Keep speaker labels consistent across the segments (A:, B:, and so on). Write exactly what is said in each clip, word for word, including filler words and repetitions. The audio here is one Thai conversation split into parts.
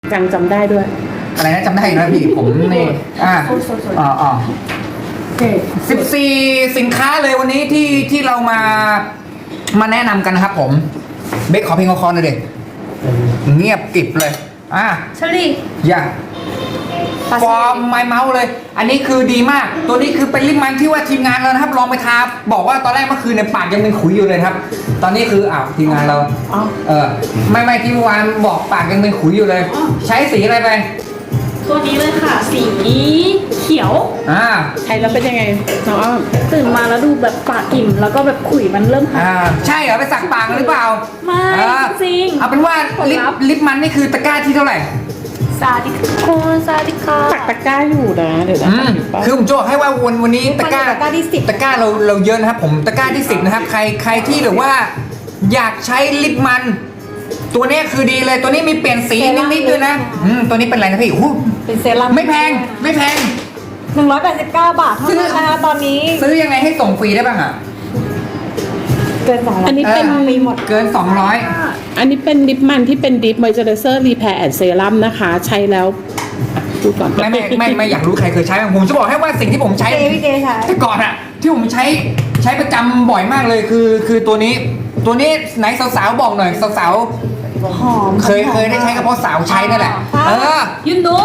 A: จังจำได้ด้วย
B: อะไรนะจำได้นะพี่ผมนี่อ่าอ๋ออ๋อสิบสี่สินค้าเลยวันนี้ที่ที่เรามามาแนะนำกันนะครับผมเบคขอเพลงคอหน่อยเด็กเงียบกริบเลยอ่ะ
C: เชอรี่
B: อย่าฟอร์มไมเมาส์เลย อันนี้คือดีมาก ตัวนี้คือเป็นลิปมันที่ว่าทีมงานเรานะครับลองไปทาบอกว่าตอนแรกเมื่อคืนในปากยังเป็นขุยอยู่เลยครับ ตอนนี้คืออ้าวทีมงานเราเออไม่ไม่ที่เมื่อวานบอกปากยังเป็นขุยอยู่เลย ใช้สีอะไรไป
C: ตัวนี้เลยค่ะสีเขียว
B: อ่า
A: ใช้แล้วเป็นยังไงน้องอ้อม
C: ตื่นมาแล้วดูแบบปากอิ่มแล้วก็แบบขุยมันเริ่มหาย
B: อ่าใช่เหรอไปสักปากหรือเปล่า
C: ไม่จริง
B: เอาเป็นว่าลิปลิปมันนี่คือตะกร้าที่เท่าไหร่
C: ซาดิคอนซาดิคา
A: ตักตะกร้าอยู่นะเดี๋ยวนะ
B: คือผมจะบอกให้ว่าวันวันนี้ตะกร้าตะกร้าที่สิบตะกร้าเราเราเยอะนะครับผมตะกร้าที่สิบนะครับใครใครที่แบบว่าอยากใช้ลิปมันตัวนี้คือดีเลยตัวนี้มีเปลี่ยนสีนิดๆด้วยนะอืมตัวนี้เป็นอะไรนะพี่อู้
C: เป็นเซรั่ม
B: ไม่แพงไม่แพง
C: หนึ่งร้อยแปดสิบเก้าบาทเท่านั้นนะคะตอนนี้
B: ซื้อยังไงให้ส่งฟรีได้บ้างอ่ะ
C: เกินสองร้อย
A: อันนี้เป็น
C: มีหมด
B: เกินสองร้อย
A: อันนี้เป็นลิปมันที่เป็นดิปมอยเจอร์เซอร์รีแพร์แอนด์เซรั่มนะคะใช้แล้วพูดก่อน
B: ไม่ไม่ไม่ไม่อยากรู้ใครเคยใช้ผมจะบอกให้ว่าสิ่งที่ผมใช้แต่ก่อนอะที่ผมใช้ใช้ประจำบ่อยมากเลยคือคือตัวนี้ตัวนี้ไหนสาวๆบอกหน่อยสาว
C: หอม
B: เคยเคยได้ใช้กับเพราะสาวใช้นั่นแหละเออ
C: you know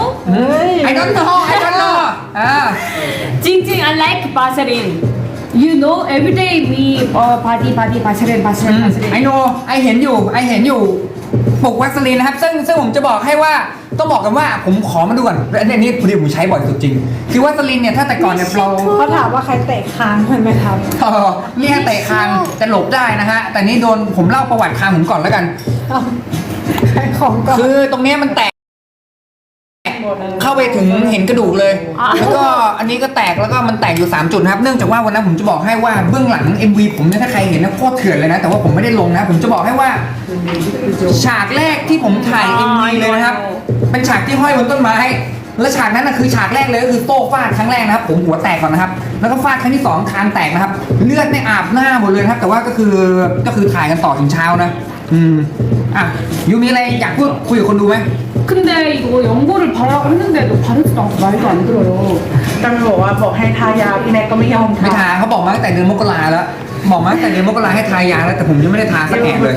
B: I don't know I don't know อ่า
C: จริงจริง I like Vaseline you know every day มีเอ่อ party party Vaseline Vaseline Vaseline
B: I know I เห็นอยู่ I เห็นอยู่ปกวัสลีนนะครับซึ่งซึ่งผมจะบอกให้ว่าต้องบอกกันว่าผมขอมาดูก่อนอันนี้พอดีผมใช้บ่อยสุดจริงคือวัสลีนเนี่ยถ้าแต่ก่อนเนี่ยเรา
C: เขาถามว่าใครเตะคางมันไหมครับ
B: เรียกเตะคางจะหลบได้นะฮะแต่นี่โดนผมเล่าประวัติคางผมก่อนแล้วกัน
C: ของก่อน
B: คือตรงนี้มันแตกเข้าไปถึงเห็นกระดูกเลยแล้วก็อันนี้ก็แตกแล้วก็มันแตกอยู่สามจุดครับเนื่องจากว่าวันนั้นผมจะบอกให้ว่าเบื้องหลัง เอ็ม วี ผมเนี่ยถ้าใครเห็นนะโคตรเถื่อนเลยนะแต่ว่าผมไม่ได้ลงนะผมจะบอกให้ว่าฉากแรกที่ผมถ่าย เอ็ม วี เลยนะครับเป็นฉากที่ห้อยบนต้นไม้และฉากนั้นนะคือฉากแรกเลยก็คือโต้ฟาดครั้งแรกนะครับผมหัวแตกก่อนนะครับแล้วก็ฟาดครั้งที่สองคางแตกนะครับเลือดเนี่ยอาบหน้าหมดเลยครับแต่ว่าก็คือก็คือถ่ายกันต่อถึงเช้านะอืมอ่ะยูมีอะไรอยากพูดคุยกับคนดูไหม
C: 근데이거연고를바르라고했는데도바르지도않고말도안들어요
A: ตำรวจว่าบอกให้ทายาพี่แน็กก็ไม่ยอม
B: ไม่ทาเขาบอกมาตั้งแต่เดือนมกราแล้วบอกมาตั้งแต่เดือนมกราให้ทายาแล้วแต่ผมยังไม่ได้ทาสักแอะเลย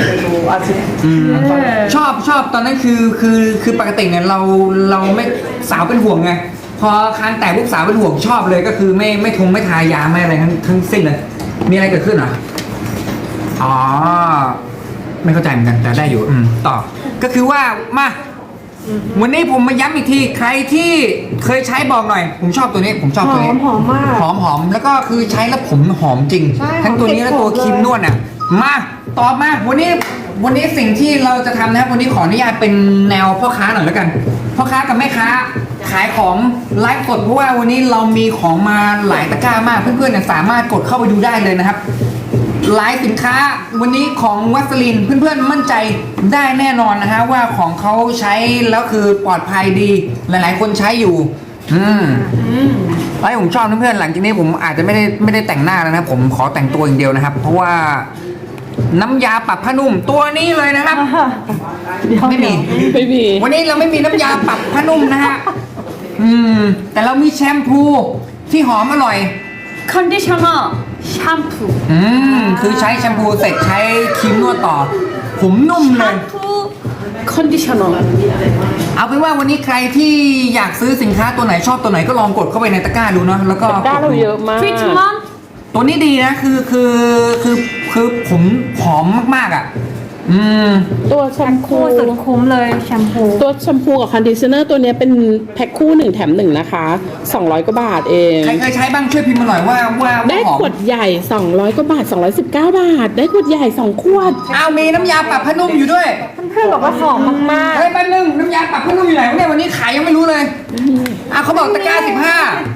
B: ชอบชอบตอนนั้นคือคือคือปกติเนี่ยเราเราไม่สาวเป็นห่วงไงพอคางแตกลูกสาวเป็นห่วงชอบเลยก็คือไม่ไม่ทงไม่ทายาไม่อะไรทั้งทั้งสิ้นเลยมีอะไรเกิดขึ้นเหรออ๋อไม่เข้าใจเหมือนกันแต่ได้อยู่อืมต่อก็คือว่ามาวันนี้ผมมาย้ำอีกทีใครที่เคยใช้บอกหน่อยผมชอบตัวนี้ผมชอบตัวนี้
C: หอมมาก
B: หอมหอมแล้วก็คือใช้แล้วผมหอมจริงทั้งตัวนี้และตัวครีมนวดน่ะมาตอบมาวันนี้วันนี้สิ่งที่เราจะทำนะครับวันนี้ขออนุญาตเป็นแนวพ่อค้าหน่อยแล้วกันพ่อค้ากับแม่ค้าขายของไลฟ์สดเพราะว่าวันนี้เรามีของมาหลายตะกร้ามากเพื่อนๆเนี่ยสามารถกดเข้าไปดูได้เลยนะครับหลายสินค้าวันนี้ของวัสลินเพื่อนๆมั่นใจได้แน่นอนนะฮะว่าของเขาใช้แล้วคือปลอดภัยดีหลายๆคนใช้อยู่อืมไอ้ผมชอบเพื่อนๆหลังจากนี้ผมอาจจะไม่ได้ไม่ได้แต่งหน้าแล้วนะผมขอแต่งตัวอย่างเดียวนะครับเพราะว่าน้ำยาปรับผ้านุ่มตัวนี้เลยนะครับไม่มี
A: ไม่มี
B: วันนี้เราไม่มีน้ำยาปรับผ้านุ่มนะฮะอืมแต่เรามีแชมพูที่หอมอร่อย
C: 컨디셔너 샴푸
B: อืมคือใช้แชมพูเสร็จใช้ครีมนวดต่อผมนุ่มเลย
C: 샴푸 컨디셔너
B: เอาเป็นว่าวันนี้ใครที่อยากซื้อสินค้าตัวไหนชอบตัวไหนก็ลองกดเข้าไปในตะกร้าดูเนาะแล้วก็
A: ตะกร้าเราเยอะมาก
B: ตัวนี้ดีนะคือคือคือคือผมหอมมากๆอ่ะอืม
A: ตัวแชมพู
C: สุดคุ้มเลยแชมพู
A: ตัวแชมพูกับคอนดิชเนอร์ตัวนี้เป็นแพ็คคู่หนึ่งแถมหนึ่งนะคะสองร้อยกว่าบาทเอง
B: ใครเคยใช้บ้างช่วยพิมพ์มาหน่อยว่าว่า
A: ได้ขวดใหญ่สองร้อยกว่าบาทสองร้อยสิบเก้าบาทได้ขวดใหญ่สองขวด
B: อ้าวมีน้ำยาปรับผ้านุ่มอยู่ด้วย
C: เพื่อนๆบอกว่าหอมมาก
B: ๆเฮ้ยแป๊บนึงน้ำยาปรับผ้านุ่มอยู่ไหนวะเนี่ยวันนี้ขายยังไม่รู้เลยอ้าวเขาบอกตะกร้าสิบห้า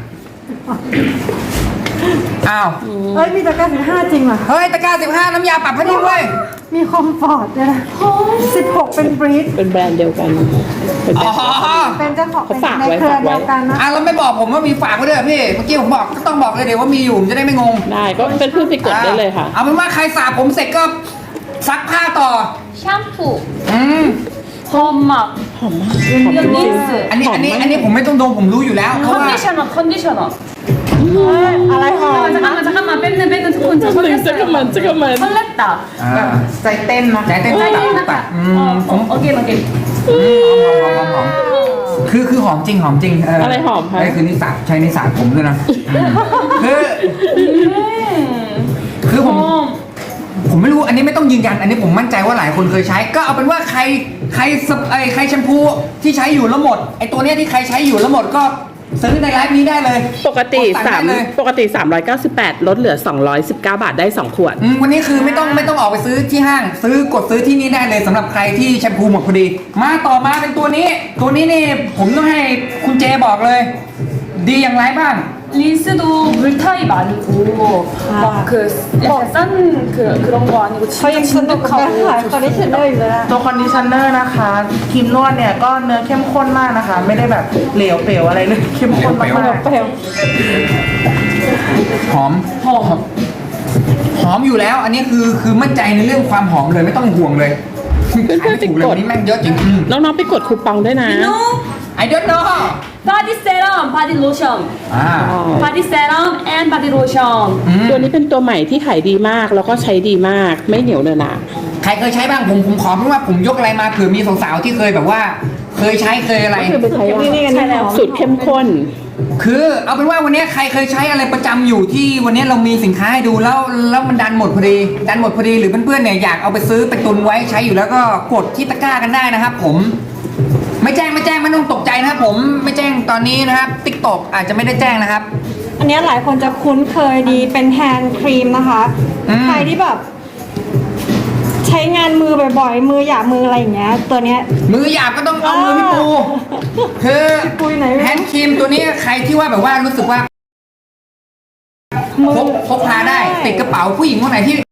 B: อ้าว
C: เฮ้ยมีตะกร้าสิบห้าจริงเหรอ
B: เฮ้ยตะกร้าสิบห้าน้ำยาปรับผ้านุ่มด้วย
C: มีคอมฟอร์ตด้วยนะสิบหกเป็นบรีด
A: เป็นแบรนด์เดียวกัน
B: เป็นแบรน
C: ด์เป็นเจ้าของในเครือเดียวกันนะ
B: อ่ะแล้วไม่บอกผมว่ามีฝากไว้ด้วยพี่เมื่อกี้ผมบอกก็ต้องบอกเลยเดี๋ยวว่ามีอยู่จะได้ไม่งง
A: ได้ก็เป็นเพื่อนไปกดได้เลยค่ะ
B: เอาเป็นว่าใครสระผมเสร็จก็ซักผ้าต่อ
C: แชมพู
B: อืม
C: หอมมาก
A: หอมมากหอมจริง
C: 린스
B: อันนี้อันนี้อันนี้ผมไม่ต้องดมผมรู้อยู่แล้วเพราะว่า
C: 컨디셔너 컨디셔너
D: อะไรหอม
C: 잠깐만 잠깐만 뺏는 뺏는 조금
A: ๆจักรมันจักรมันจักรมัน
C: 설렜다
B: อ่า
D: ใจเต้นนะ
B: ใจเต้นตับตับอืมผม
C: 어, 어게인 어게인
B: อืมหอมหอมหอมหอมคือคือหอมจริงหอมจริงเ
A: อะไรหอมคะ
B: นี่คือนิสาใช้นิสาผมด้วยนะอืมคือ คือผม
C: 어,
B: ผมไม่รู้อันนี้ไม่ต้องยืนยัน อันนี้ผมมั่นใจว่าหลายคนเคยใช้ ก็เอาเป็นว่าใครใครสไอใครแชมพูที่ใช้อยู่แล้วหมดไอตัวเนี้ยที่ใครใช้อยู่แล้วหมดก็ซื้อในไลฟ์นี้ได้เลย
A: ปกติ
B: ด
A: สาม
B: ได้เลย
A: ปกติสามร้อยเก้าสิบแปดลดเหลือสองร้อยสิบเก้าบาทได้สองขวด
B: อืมวันนี้คือไม่ต้องไม่ต้องออกไปซื้อที่ห้าง ซื้อกดซื้อที่นี่ได้เลยสำหรับใครที่แชมพูหมดพอดี มาต่อมาเป็นตัวนี้ ตัวนี้นี่ผมต้องให้คุณเจบอกเลย ดีอย่างไรบ้าง
C: 린스도 물타입 아니고 막 그 약간 싼 그 그런 거 아니고
D: เขายัง
C: 진짜
D: สนุกกับการขาย
C: 진득하고
D: คอนดิชเนอร์อยู่เลยอะ
E: ตัวคอนดิชเนอร์นะคะครีมนวดเนี่ยก็เนื้อเข้มข้นมากนะคะ ไม่ได้แบบเหลวเปลวอะไรเลยเข้มข้นมาก
D: เปลว
B: หอม
C: หอม
B: หอมอยู่แล้ว อันนี้คือคือมั่นใจในเรื่องความหอมเลยไม่ต้องห่วงเลย
A: เพื่อนๆ
B: ขายไม่ถูกเลย
A: ไปกด
B: วันนี้แม่งเยอะจริงอืม
A: น้องๆไปกดคูปองด้วยนะ
C: no
B: I don't know
C: 바디 세럼 바디 로션
B: อ่า
C: 바디 세럼 앤 바디 로션
B: อืม
A: ตัวนี้เป็นตัวใหม่ที่ขายดีมากแล้วก็ใช้ดีมากไม่เหนียวเนอะหนะ
B: ใครเคยใช้บ้างผมผมขอเพราะว่าผมยกอะไรมาเผื่อมีสาวๆที่เคยแบบว่า เคยใช้เคยอะไร
A: คือเป็นใช้
D: นี่นี่กันนี่หอม
A: สูตรเข้มข้น
B: คือเอาเป็นว่าวันนี้ใครเคยใช้อะไรประจำอยู่ที่วันนี้เรามีสินค้าให้ดูแล้วแล้วมันดันหมดพอดีดันหมดพอดีหรือเพื่อนๆเนี่ยอยากเอาไปซื้อไปตุนไว้ใช้อยู่แล้วก็กดที่ตะกร้ากันได้นะครับผม ไม่แจ้งไม่แจ้งไม่ต้องตกใจนะครับผมไม่แจ้งตอนนี้นะครับติ๊กตอกอาจจะไม่ได้แจ้งนะครับ
D: อันเนี้ยหลายคนจะคุ้นเคยดีเป็นแฮนด์ครีมนะคะ
B: อืม
D: ใครที่แบบ ใช้งานมือบ่อยๆ มือหยาบมืออะไรอย่างเงี้ย ตัวเนี้ย
B: มือหยาบก็ต้องเอามือพี่ปูคือ
D: พี่ปูอยู่ไหน
B: แฮนด์ครีมตัวนี้ใครที่ว่าแบบว่ารู้สึกว่า
D: มือ
B: พกพกพาได้ติดกระเป๋าผู้หญิงคนไหนที่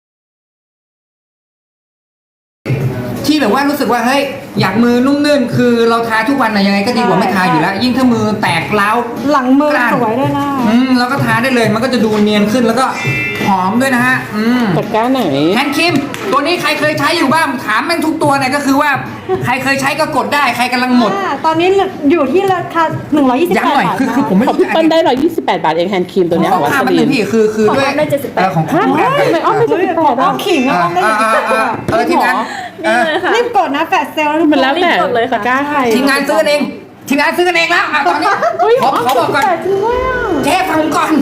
B: ที่แบบว่ารู้สึกว่าเฮ้ยอยากมือนุ่มนื่นคือเราทาทุกวันนะยังไงก็ดีกว่าไม่ทาอยู่แล้ว ยิ่งถ้ามือแตกร้าว
D: หลังมือก
B: ล้าน
D: สวยด้วยนะ
B: อืมแล้วก็ทาได้เลยมันก็จะดูเนียนขึ้นแล้วก็หอมด้วยนะฮะอืม
A: ตะกร้าไหน
B: แฮนด์ครีมตัวนี้ใครเคยใช้อยู่บ้างถามแม่งทุกตัวเนี่ยก็คือว่าใครเคยใช้ก็กดได้ใครกำลังหมด
D: อ่าตอนนี้อยู่ที่ราคาหนึ่งร้อยยี่สิบ
B: ย้ำ
D: แปด
B: หน่อย
D: บาท
B: คือคือผมไม่
A: ของ
B: รู้
A: พี่เปิ้ลได้ร้อยยี่สิบแปดบาทเองแฮนด์ครีมตัวเนี้ย
B: ข
A: ข
B: อ
A: องวั
B: ภาพ
A: ส
B: มัน
A: ลี
B: หนึ่
A: น
B: งพี่คือคือด้วย
C: ของผมได้เจ็ดสิบแปด
B: เออของคุณ
A: ฮะทำไมอ้อมไม่
D: เฮ้ย
A: เจ็ดสิบแปด
D: อ้อมขิง
B: เอ
D: อ้อ
B: อ
D: มได้
B: เอ
D: ถึง
B: อ
D: ยี่สิบ
B: เอ
D: แป
B: อ
D: ด
B: เออทีมงานเออ
D: รีบกดนะแฟดเซลล์
A: มันแล้วแต่
C: รีบกดเลยค่ะ
A: ตะกร้าใคร
B: ทีมงานซื้อกันเองทีมงานซื้อกันเองแล้วอ่ะตอนนี้
A: เฮ้ย
B: ขอขอบอกก่อน
A: แต่จริงด้วยอ่ะ
B: เจ๊ฟังก่อน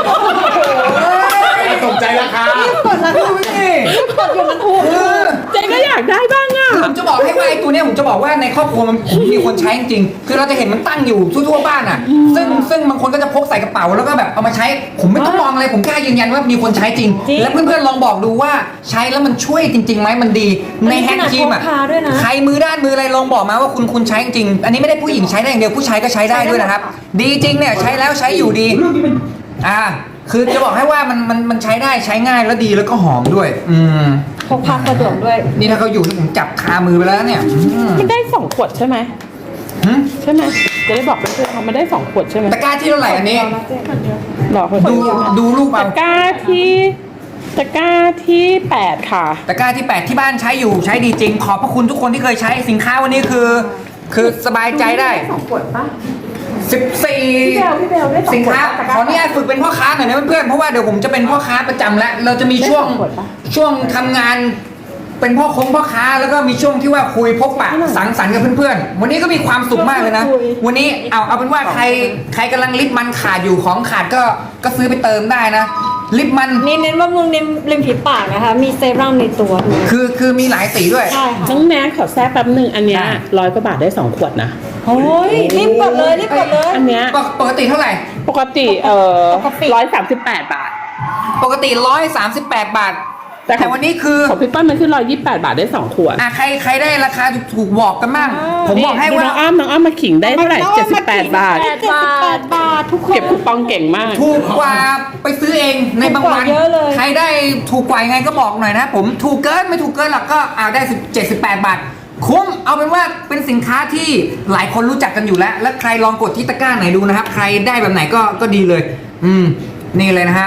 B: ตกใจราคา
D: กดแล้ว
B: ดูสิ
D: กดอยู่มันถูก
B: เออ
A: เจ๊ก็อยากได้บ้างอ่ะ
B: ผมจะบอกให้ว่าไอ้ตัวเนี้ยผมจะบอกว่าในครอบครัวมันผมมีคนใช้จริงๆคือเราจะเห็นมันตั้งอยู่ทั่วๆบ้านอ่ะ ซึ่งซึ่งบางคนก็จะพกใส่กระเป๋าแล้วก็แบบเอามาใช้ ผมไม่ต้องมองอะไรผมกล้ายืนยันว่ามีคนใช้จริง และเพื่อนๆลองบอกดูว่าใช้แล้วมันช่วยจริงๆไหมมันดีในแฮนด์ครีมอ่ะ
D: พาด้วยนะ
B: ใครมือด้านมืออะไรลองบอกมาว่าคุณคุณใช้จริง อันนี้ไม่ได้ผู้หญิงใช้ได้อย่างเดียวผู้ชายก็ใช้ได้ด้วยนะครับ ดีจริงเนี่ยใช้แล้วใช้อยู่ดี อ่า คือจะบอกให้ว่ามันมันมันใช้ได้ใช้ง่ายแล้วดีแล้วก็หอมด้วย อืม
D: พกพาสะดวกด้วย
B: นี่ถ้าเขาอยู่ที่ผมจับคามือไปแล้วเนี่ยอืม
A: มันได้สองขวดใช่ไหม
B: หึ
A: ใช่ไหมจะได้บอกเพื่อนๆว่ามันได้สองขวดใช่ไหม
B: ตะกร้าที่เท่าไหร่อันนี้
A: หลอกคน
B: ดู
A: เดียว
B: ดูรูปเอา
A: ตะกร้าที่ตะกร้าที่แปดค่ะ
B: ตะกร้าที่แปดที่บ้านใช้อยู่ใช้ดีจริง ขอบพระคุณทุกคนที่เคยใช้สินค้าวันนี้คือ คือสบายใจได้
A: สองขวดปะ
B: สิบสี่
A: พี่เบลพี่เบลได้สองขวด
B: สินค้า
A: ตะกร้า
B: ขออนุญาตฝึกเป็นพ่อค้าหน่อยนะเพื่อนๆเพราะว่าเดี๋ยวผมจะเป็นพ่อค้าประจำแล้ว เราจะมีช่วง
A: ได้สองขวดปะ
B: ช่วงทำงานเป็นพ่อคงพ่อค้าแล้วก็มีช่วงที่ว่าคุยพบปะสังสรรค์กับเพื่อนๆวันนี้ก็มีความสุขมากเลยนะ
D: คุย
B: วันนี้เอาเอาเป็นว่าใครใครกำลังลิปมันขาดอยู่ของขาดก็ก็ซื้อไปเติมได้นะ ลิปมัน
D: นี่เน้นบำรุงริมริมฝีปากนะคะ มีเซรั่มในตัวด้วย
B: คือคือมีหลายสีด้วย
D: ใช่ค่ะ
A: น้องแม่ขอแทรกแป๊บหนึ่งอันเนี้ย
B: ได้
A: ร้อยกว่าบาทได้สองขวดนะ
D: โอ้ยรีบกดเลยรีบกดเลย
A: อันเนี้ย
B: ปกปกติเท่าไหร่
A: ปกติเอ่อ
D: ปกติ
A: ร้อยสามสิบแปดบาท
B: ปกติร้อยสามสิบแปดบาท
A: แต่ของ
B: แต่วันนี้คือ
A: ของพี่เปิ้ลมันคือร้อยยี่สิบแปดบาทได้สองขวด
B: อ่ะใครใครได้ราคาถูกๆบอกกันบ้าง ผมบอกให้
A: ดู
B: ว่า
A: น้องอ้อมน้องอ้อมมาขิงได้เท่าไหร่เจ็ดสิบแปดบาท
D: เจ็ดสิบแปดบาททุกคน
A: เก็บคูปองเก่งมาก
B: ถูกกว่าไปซื้อเองในบางวัน
D: ถูกกว่าเยอะเลย
B: ใครได้ถูกกว่ายังไงก็บอกหน่อยนะผมถูกเกินไม่ถูกเกินหรอกก็เอาได้เจ็ดสิบแปดบาท คุ้มเอาเป็นว่าเป็นสินค้าที่หลายคนรู้จักกันอยู่แล้ว และใครลองกดที่ตะกร้าไหนดูนะครับ ใครได้แบบไหนก็ก็ดีเลย อืมนี่เลยนะฮะ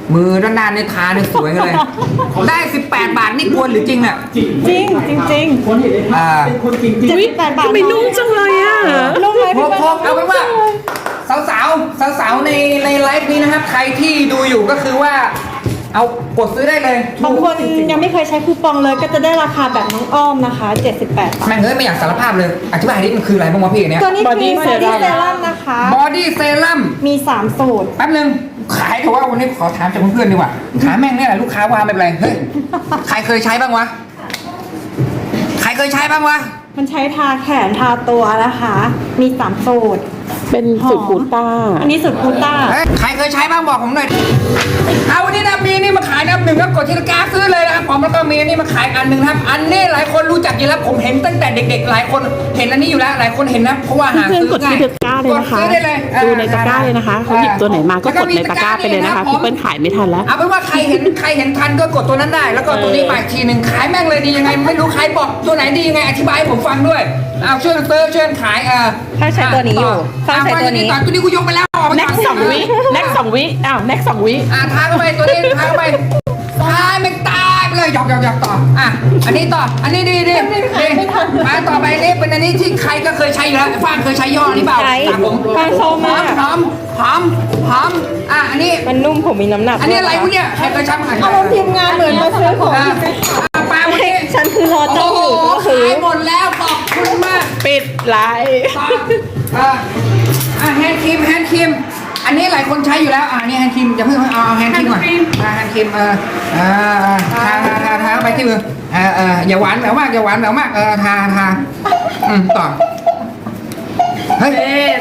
B: มือด้านหน้าเนี่ยทาเนี่ยสวยเลย ได้สิบแปดบาทนี่กวนหรือจริงอ่ะ
D: จริงจริงจริง
B: อ่า
D: เจ็ดสิบแปดบาท
A: ทำไมนุ่มจังเลยอ่ะ
D: นุ่มไหม
B: พ
D: พี่
B: ก
D: เปิ้ล
B: พกเอาเป็นว่า สาวสาวสาวสาวๆในในไลฟ์นี้นะครับ ใครที่ดูอยู่ก็คือว่า เอากดซื้อได้เลย
D: บางคนยังไม่เคยใช้คูปองเลยก็จะได้ราคาแบบน้องอ้อมนะคะเจ็ดสิบแปดบาท
B: แม่งเฮ้ยไม่อยากสารภาพเลย อธิบายดิมันคืออะไรบ้างวะพี่อันเนี้ย
D: ตัวนี้คือ
A: Body
D: Body
A: Serum
D: Serum นะคะ
B: บอดี้เซรั่ม
D: มีสามสูตร
B: แป๊บนึง ขายเถอะว่าวันนี้ขอถามจากเพื่อนๆดีกว่า ถามแม่งเนี่ยแหละลูกค้าว่าไม่เป็นไร เฮ้ย ใครเคยใช้บ้างวะ ใครเคยใช้บ้างวะ
D: มันใช้ทาแขนทาตัวนะคะ มีสามสูตร
A: เป็นสูตรกูต้า
D: อันนี้สูตรกูต้า
B: เฮ้ยใครเคยใช้บ้างบอกผมหน่อยเอาวันนี้นะมีนี่มาขายนะหนึ่งก็กดที่ตะกร้าซื้อเลยนะครับผมแล้วก็มีอันนี้มาขายอันหนึ่งนะครับ อันนี้หลายคนรู้จักอยู่แล้วผมเห็นตั้งแต่เด็กๆ หลายคนเห็นอันนี้อยู่แล้วหลายคนเห็นนะเพราะว่าหา
A: เพื่อน
B: ซื้อก
A: ดที่ตะกร้าเลยนะคะ
B: กดซื้อได้เลย
A: ดูในตะกร้าเลยนะคะเขาหยิบตัวไหนมาก็กดในตะกร้าไปเลยนะคะพี่เปิ้ลขายไม่ทันแล้ว
B: เอาเป็นว่าใครเห็นใครเห็นทันก็กดตัวนั้นได้ แล้วก็ตัวนี้มาอีกทีหนึ่งขายแม่งเลยดียังไงไม่รู้ใครบอกตัวไหนดียังไงอธิบายให้ผมฟังด้วยเอาช่วยกันเติมช่วยกันขายเออ
F: ถ้าใช้ตัวนี้อยู่
B: ถ้า
F: ถ้าใช้ตัวนี้
B: ตัวนี้กูยกไปแล้วออกไป
A: แน็กสองวิแน็กสองวิอ้าวแน็กสองวิ
B: อ่ะทาเข้าไปตัวนี้ทาเข้าไปตายไม่ตายไปเลยหยอกหยอกหยอกต่ออ่ะอันนี้ต่ออันนี้ดีดีดีมาต่อไปนี่เป็นอันนี้ที่ใครก็เคยใช้อยู่แล้วฟางเคยใช้ย่ห้อนี้เปล่า
F: ใช้
B: ถามผม
F: ฟางชอบมาก
B: หอมหอมหอมอ่ะอันนี้
F: มันนุ่มผมมีน้ำหนัก
B: อันนี้อะไรพวกเนี้ยใครเคยใช้บ้าง
D: เอาทีมงานเหมือนมาซื้อของ
B: อ่ะอ่ะปลาวันนี้
F: ฉันคือรอ
B: โอ้
F: เจ้า
B: โห
F: อยู่ก็คือ
B: ขายหมดแล้วขอบคุณมาก
A: ปิดไลฟ์
B: ต่ออ่ะอ่ะแฮนด์ครีมแฮนด์ครีมอันนี้หลายคนใช้อยู่แล้วอ่ะอันนี้แฮนด์ครีมอย่าเพิ่งเอาเอาแฮนด์ครีมก่อนอ่ะแฮนด์ครีมเออเออทาทาทาทาไปที่มือเออเอออย่าหวานแหววมากอย่าหวานแหววมากเออทาทาอืมต่อเฮ้ย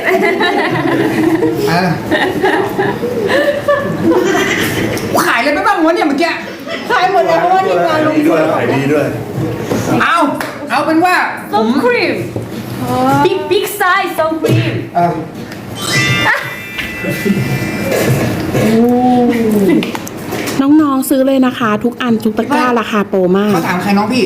B: เออขายเลยไปบ้างวะเนี่ยเมื่อกี้
D: ขายหมดแล้วเพราะว่าทีมงานลง
G: ดีด้วยขายดีด้วย
B: เอาเอาเป็นว่าผม
C: Sun cream. Big big size sun cream.
B: เออ
A: น้องๆซื้อเลยนะคะ ทุกอันทุกตะกร้าราคาโปรมาก
B: เขาถามใครน้องพี่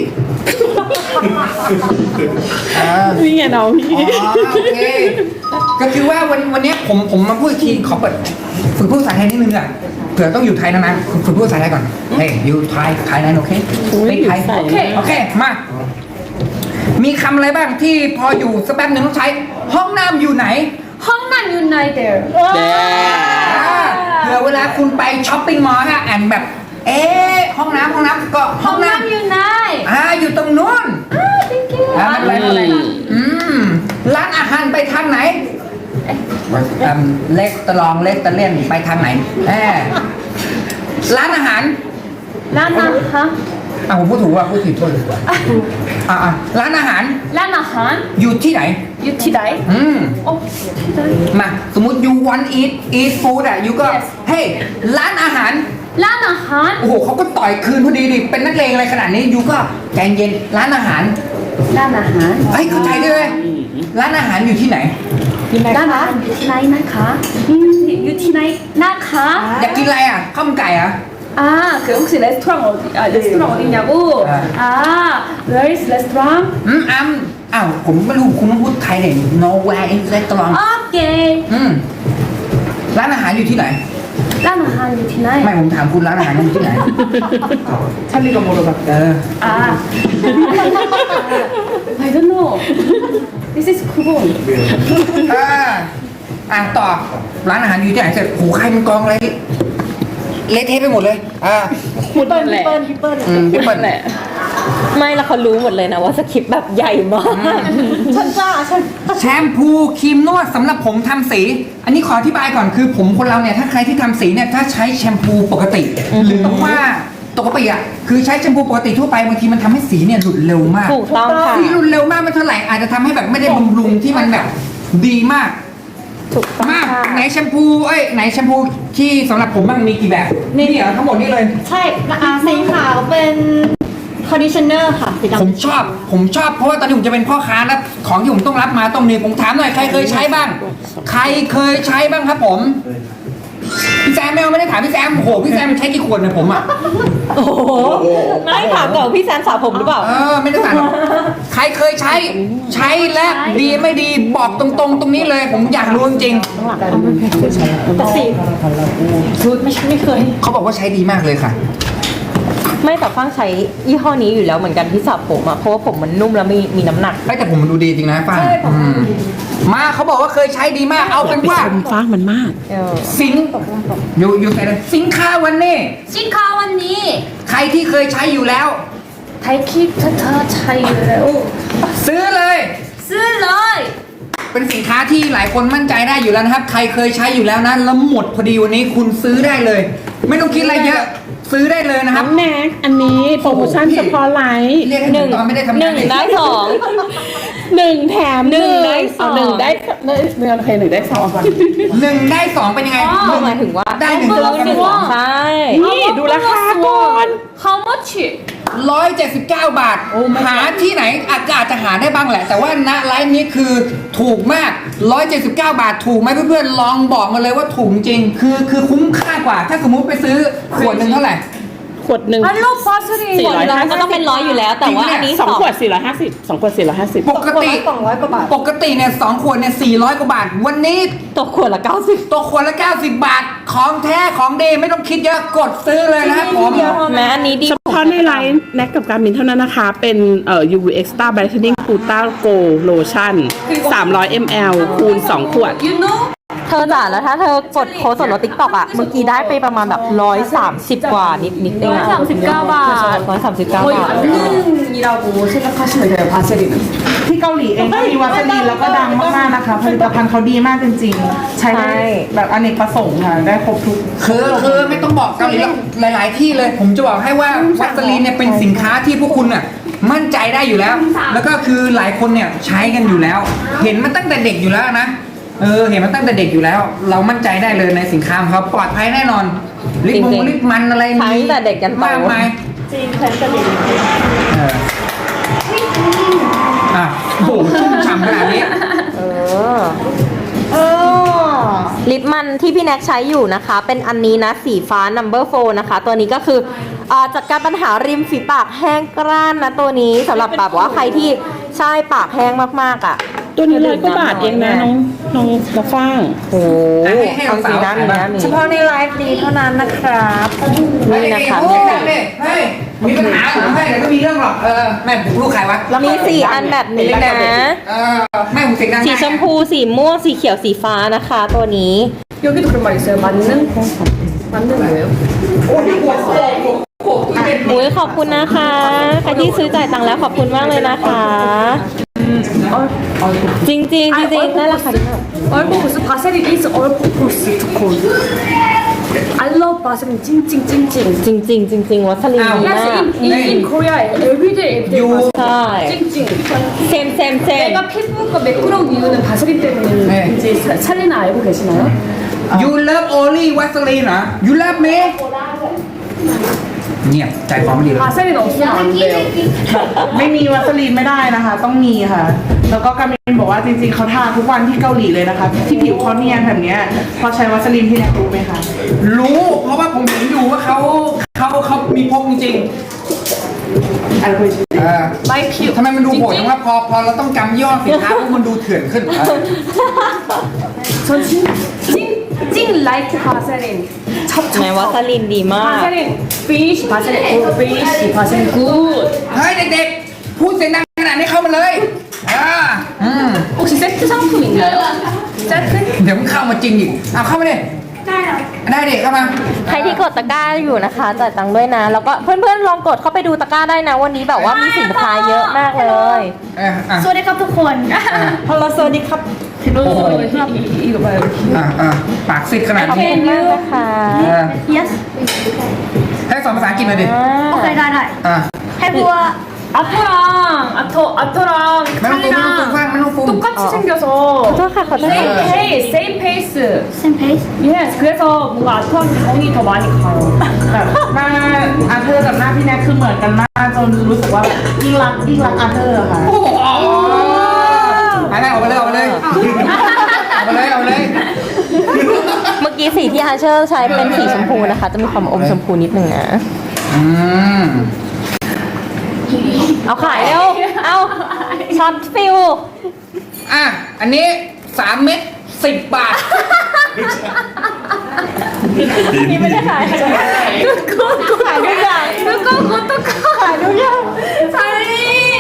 B: เออ
A: นี่ไงน้องพี่
B: อ๋อโอเค ก็คือว่าวันวันเนี้ยผมผมมาพูดอีกทีขอเปิดฝึกพูดภาษาไทยนิดนึงอ่ะเผื่อต้องอยู่ไทยนานๆฝึกพูดภาษาไทยก่อนเฮ้ยอยู่ไทยไทยนั้นโอเค
A: อุ๊ย
B: ไม่ไทย
A: อยู่ไทย
B: โอเคโอเคมามีคำอะไรบ้างที่พออยู่สักแป๊บหนึ่งต้องใช้ ห้องน้ำอยู่ไหน
C: Hongnam Unite there.
B: อ่าเผื่อเวลาคุณไปช้อปปิ้งมอลล์ฮะแอนแบบ เอ๊ะห้องน้ำห้องน้ำก็ห้องน้
C: Hongnam Unite.
B: ำอ่าอยู่ตรงนู้น
C: Ah, thank you.
B: อ่าไม่เป็นไรไม่เป็นไรอืมร้านอาหารไปทางไหนอืมเล็กตะลองเล็กตะเล่นไปทางไหนแอบร้านอาหาร
C: Lana, huh?
B: อ่ะผมพูดถูกว่าพูดผิดโทษดีกว่าอ่ะอ่ะร้านอาหาร
C: Lana Han.
B: อยู่ที่ไหน
C: You today?
B: อืม
C: Oh, today.
B: มาสมมติ you want eat eat food อ่ะ you ก็
C: Yes
B: เฮ้ยร้านอาหาร
C: Lana Han.
B: โอ้โหเขาก็ต่อยคืนพอดีดิเป็นนักเลงอะไรขนาดนี้ you ก็ใจเย็นร้านอาหาร
C: Lana Han.
B: เฮ้ยเข้าใจด้วยเลยร้านอาหารอยู่ที่ไหน
C: Lana Han. You today, Naka. You today, Naka.
B: อยากกินอะไรอ่ะข้าวมันไก่เหรอ่ะ
C: 아, 그 혹시 레스토랑 어디, 아, 레스토랑 어디냐고?
B: 아.
C: 아, where is restaurant?
B: อืมอ้ำอ้าวผมไม่รู้คุณต้องพูดไทยเนี่ย nowhere in restaurant
C: 오케이.
B: อืมร้านอาหารอยู่ที่ไหน
C: 라나 한 you
B: ไม่
C: tonight.
B: ผมถามคุณร้านอาหารอยู่ที่ไหน
E: 찰리가 물어봤
B: เออ
C: 아. I don't know. This is Kubon.
B: เอออ่ะต่อร้านอาหารอยู่ที่ไหนเสร็จโหใครมันกองอะไรเละเทะไปหมดเลยอ่า
D: พี่เปิ้ลพี่เปิ้ลพี่เปิ้ล
B: อืมพี่เปิ้ล
A: แหละ
F: ไม่แล้วเขารู้หมดเลยนะว่าสคริปต์แบบใหญ่มาก
D: ฉันจ้าฉัน
B: แชมพูครีมนวดสำหรับผมทำสี อันนี้ขออธิบายก่อนคือผมคนเราเนี่ยถ้าใครที่ทำสีเนี่ยถ้าใช้แชมพูปกติ หรือว่าปกติอ่ะคือใช้แชมพูปกติทั่วไปบางทีมันทำให้สีเนี่ยหลุดเร็วมาก
F: ถูกต้องค่ะ
B: สีหลุดเร็วมากไม่เท่าไหร่อาจจะทำให้แบบไม่ได้บำรุงที่มันแบบดีมาก
F: ถูกต้อง
B: มาก
F: ค่ะ
B: ไหนแชมพูเอ้ยไหนแชมพูที่สำหรับผมบ้างมีกี่แบบนี่เหรอทั้งหมดนี่เลย
D: ใช่อ่าสีขาวเป็นคอนดิชเนอร์ค่ะสี
B: ผม
D: ดำ
B: ชอบ ผมชอบเพราะว่าตอนนี้ผมจะเป็นพ่อค้าแล้วของที่ผมต้องรับมาต้องมีผมถามหน่อยใครเคยใช้บ้าง ใครเคยใช้บ้างครับผมพี่แซมไม่เอาไม่ได้ถามพี่แซมโอ้โหพี่แซมใช้กี่ขวดเนี่ยผมอ่ะ
F: โอ้โหไม่ถามก่อนพี่แซมสระผมหรือเปล่า
B: เออไม่ได้ถามหรอกใครเคยใช้ใช้และดีไม่ดีบอกตรงๆ ตรงนี้เลย ผมอยากรู้จริง
F: แต่สิชุดไม่ไม่เคย
B: ๆเขาบอกว่าใช้ดีมากเลยค่ะ
F: ไม่แต่ฟังใช้ยี่ห้อนี้อยู่แล้วเหมือนกันที่สระผมอะเพราะว่าผมมันนุ่มแล้วมีมีน้ำหนัก
B: แต่ผมมันดูดีจริงนะป้าอืมมาเขาบอกว่าเคยใช้ดีมากเอาเป็น
A: ไป
B: ว่า
A: ชมฟ้ามันมาก
F: เออ
B: สินอยู่อยู่ไหนเลยสินค้าวันนี้
C: สินค้าวันนี้
B: ใครที่เคยใช้อยู่แล้ว
C: ไทยคิดเธอเธอใช้อยู่แล้ว
B: ซื้อเลย
C: ซื้อเลย
B: เป็นสินค้าที่หลายคนมั่นใจได้อยู่แล้วนะครับ ใครเคยใช้อยู่แล้วนะแล้วหมดพอดีวันนี้คุณซื้อได้เลย ไม่ต้องคิดอะไรเยอะ ซื้อได้เลยนะค
A: น้
B: รั
A: อบ งแน็กอันนี้โปรโมชั่นเฉพาะไลฟ์
B: เรียกให้หนึ่งตอนไม่ได้ทำ
F: ห
B: งา
F: นึ่
B: น
F: ง
B: เลย
F: ได้สอง
A: หนึ่งแถม
F: หนึ่งได้สอง
A: เาหนึ่งได้ได้เดือนโอเคหนึ่งได้สอง
B: หนึ่งได้สองเป็นยังไง
F: ก็หมายถึงว่า
B: ได้หนึ่ง
F: ซื้
B: ตัว
F: อหนึ่งใช่
A: นี่ดูราคาก่อน
C: How much
B: ร้อยเจ็ดสิบเก้าบาท หาที่ไหนอาจจะอาจจะหาได้บ้างแหละ แต่ว่าณไลฟ์นี้คือถูกมากร้อยเจ็ดสิบเก้าบาทถูกไหมเพื่อนๆลองบอกมาเลยว่าถูกจริง คือคือคุ้มค่ากว่า ถ้าสมมุติไปซื้อขวดหนึ่งเท่าไหร่
A: ขวดหนึ่ง
C: I love baseline
A: สี่ร้อย
F: ก็ต้องเป็นร้อยอยู่แล้ว แต่ว่าอันนี้
A: สองขวดสี่ร้อยห้าสิบสองขวดสี่ร้อยห้าสิบ
B: ปกติ
D: สองร้อยกว่าบาท
B: ปกติเนี่ยสองขวดเนี่ยสี่ร้อยกว่าบาท วันนี้
F: ตกขวดละเก้าสิบ
B: ตกขวดละเก้าสิบบาท ของแท้ของดีไม่ต้องคิดเยอะกดซื้อเลยนะครับผม
F: แม้อันนี้ดี
A: เฉพาะในไลน์แน็กกับการมินเท่านั้นนะคะ เป็นเอ่อ ยู วี Extra Brightening Gluta Go Lotion สามร้อยมิลลิลิตร คูณสองขวด
C: You know
F: เธอจ๋าแล้วถ้าเธอกดโค้ดส่วนลดติ๊กต็อกอะเมื่อกี้ได้ไปประมาณแบบร้อยสามสิบกว่านิดนิดเองอะ
C: ร้อยสามสิบเก้าบาท
F: ร้อยสามสิบเก้า
C: 거의
F: บาท
C: 만능이라고 생각하시면 돼요 바세린은
E: ที่เกาหลีเองก็มีวัสลีนแล้วก็ดังมากๆนะคะ ผลิตภัณฑ์เขาดีมากจริงๆ ใช้ได้แบบอเนกประสงค์ค่ะ ได้ครบทุก
B: คือคือไม่ต้องบอกเกาหลีหรอกหลาย ๆ ที่เลย ผมจะบอกให้ว่าวัสลีนเนี่ยเป็นสินค้าที่พวกคุณน่ะมั่นใจได้อยู่แล้ว แล้วก็คือหลายคนเนี่ยใช้กันอยู่แล้ว เห็นมาตั้งแต่เด็กอยู่แล้วนะเออเห็นมาตั้งแต่เด็กอยู่แล้ว เรามั่นใจได้เลยในสินค้าของเขาปลอดภัยแน่นอนลิปมงลิปมันอะไร
F: ใช้ตั้งแต่เด็กยันโต
B: มากมาย
D: จริงแพนสลิน
B: เอออ่ะโอ้โหชุ่มฉ่ำขนาดนี้
F: เออ
D: เออ
F: ลิปมันที่พี่แน็กใช้อยู่นะคะ เป็นอันนี้นะสีฟ้า number four นะคะ ตัวนี้ก็คืออ่าจัดการปัญหาริมฝีปากแห้งกร้านนะตัวนี้สำหรับแบบว่าใครที่ใช่ปากแห้งมากๆอ่ะ
A: ตัวนี้ร้อยกว่าบาทเองนะน้องน้องน้องฟ้าง
F: โอ้โห
B: ให้ให้
F: เอาสีน้ำมีน้ำมี
D: เฉพาะในไลฟ์นี้เท่านั้นนะครับ
F: นี่นะคะ
B: เฮ้ยเฮ้ยมีปัญหาเหรอไม่เดี๋ยวก็มีเรื่องหรอกเออแม่ผมลูกใครวะ
F: มีสี่อันแบบนี้นะ
B: เออแม่ผมเสียงดัง
F: สีชมพูสีม่วงสีเขียวสีฟ้านะคะ ตัวนี้
C: 여기도 그런 말 있어요 맞는? 맞는 뭐예요?
B: โอ้ยปวดโอ้โหปวดที่เป็น
F: อุ้ยขอบคุณนะคะใครที่ซื้อจ่ายตังค์แล้วขอบคุณมากเลยนะคะ จริงๆจริงๆจริงๆนั่นแหละค่ะ
C: 얼굴 보스 바세린 is 얼굴 보스 두콘 I love 바세린 찡찡찡찡
F: จริงๆจริงๆวัสลีนดีมาก
C: Yes in, in, in Korea everyday everyday
B: You-
C: 바세린
F: ใช่
C: 찡찡
F: เซม셈 셈
C: 내가 피부가 매끄러운 이유는 바세린
B: 네.
C: 때문인지 찰리나 알고 계시나요?
B: You love only Vaseline เหรอ You love me เงียบใจคอไม่ดีเลย
C: 바세린 없으면 안 돼요
E: ไม่มีวัสลีนไม่ได้นะคะ ต้องมีค่ะ แล้วก็กามินบอกว่าจริงๆเขาทาทุกวันที่เกาหลีเลยนะคะ ที่ผิวเขาเนียนแบบเนี้ยพอใช้วัสลีนที่แน็กรู้ไหมคะ
B: รู้เพราะว่าผมเห็นอยู่ว่าเขาเขาเขามีพกจริงๆ
E: อะไรคุย
B: เออ
C: 마이 피부
B: ทำไมมันดูโหดจังว่าพอพอเราต้องจำย่อสินค้าพวกมันดูเถื่อนขึ้นเออ
C: 전찡찡 라이트 바세린
F: ไหนวัสลีนดีมาก
C: 바세린 피쉬 바세린 굿 피쉬 바세린 굿
B: เฮ้ยเด็กๆ พูดเสียงดังขนาดนี้เข้ามาเลยอ่าอืม
C: 혹시 세트 상품 있나요? 세트?
B: เดี๋ยวมันเข้ามาจริงอีกเอาเข้ามาดิได้เด็กเข้ามา
F: ใครที่กดตะกร้าอยู่นะคะจ่ายตังค์ด้วยนะ แล้วก็เพื่อนๆลองกดเข้าไปดูตะกร้าได้นะ วันนี้แบบว่ามีสินค้าเยอะมากเลย
B: เอออ่ะ
D: สวัสดีครับทุกคน
E: ฮัลโหลสวัสดีครับ
C: 이거 이거 봐요
B: อ่ะอ่ะปากซิดขนาด
F: ขอบ
B: นี้
F: คุณมากนะคะ
B: เออ
D: yes
B: ให้สอนภาษาอังกฤษหน่อยดิ
D: โอเคได้ได้
B: อ่ะ
D: ให้บัว
C: 아토랑 아토 아토랑
B: ไม่ต้องฟูไม่ต้องฟู
C: 찰리랑
B: ฟังไม่ต้องฟู
C: 똑같이 생겨서
F: ขอโทษค่ะขอโทษ
C: same face same face
D: same pace
C: yes 그래서 뭔가 아토한테 정이 더 많이 가요
E: แบบหน้าอาเธอร์กับหน้าพี่แน็กคือเหมือนกันมากจนรู้สึกว่าแบบยิ่งรักยิ่งรักอาเธอร์อะค่ะ
B: โอ้โหไปเลยออกไปเลยออกไปเลยออกไปเลยออกไปเลย
F: เมื่อกี้สีที่พี่อาเชอร์ใช้เป็นสีชมพูนะคะ จะมีความอมชมพูนิดนึงนะ
B: อืม
F: เอาขายเร็ว เอาช็อตฟิล
B: อ่ะ อันนี้สามเม็ดสิบบาท
F: นี่ไม่ได้ขายขายทุกขายทุกอย่าง
C: 그거 그것도
F: ขายทุกอย่าง
C: 사리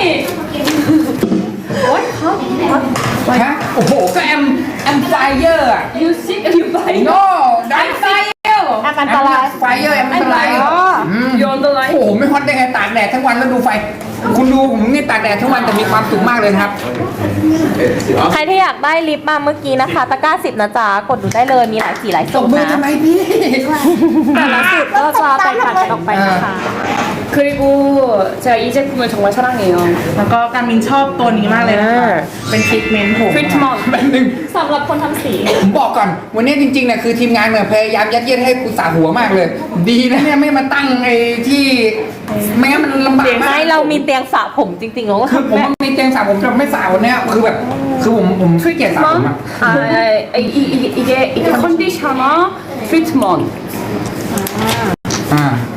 B: ฮะ โอ้โห ก็แอมแอมไฟเยอร์อะ
C: you sick you buy
B: โน่ได้ไฟเยอร์
D: แอมอันตราย
B: ไฟเยอร์แอมอันตราย
D: อ๋อ
B: อืม
C: you underline
B: โอ้โห ไม่ฮอตได้ไงตากแดดทั้งวันแล้วดูไฟ คุณดูผมนี่ตากแดดทั้งวันแต่มีความสุขมากเลยนะครับ
F: ใครที่อยากได้ลิปมาเมื่อกี้นะคะ ตะกร้าสิบนะจ๊ะ กดดูได้เลย มีหลายสีหลาย
B: ต
F: สู
B: บ
F: ตร
B: มือ
F: นะ
B: ทำไมพี่
D: แต่ละสูตรก็จะแตกต่างกันออกไปนะคะ
C: 그리고 제가 이 제품을 정말 사랑해요
E: แล้วก็การมินชอบตัวนี้มากเลยนะคะ เป็นทรีทเมนต์ผม
C: 트리트먼트
B: แบบหนึ่ง
D: สำหรับคนทำสี
B: ผมบอกก่อน วันนี้จริงๆเนี่ยคือทีมงานเนี่ยพยายามยัดเยียดให้กูสาหัวมากเลย ดีนะเนี่ยไม่มาตั้งไอ้ที่ไม่งั้นมันลำบากมาก
F: ไม่เรามีเตียงสระผมจริงๆเราก็
B: คือ
F: ทำ
B: ผม
F: แบบ
B: มีเตียงสระผมแต่ไม่สระวันเนี้ยคือแบบคือผมผมขี้เกียจสระผมอะ
C: 아, 이, 이, 이게, 이게, 이게 컨디셔너 트리트먼트
B: อ่า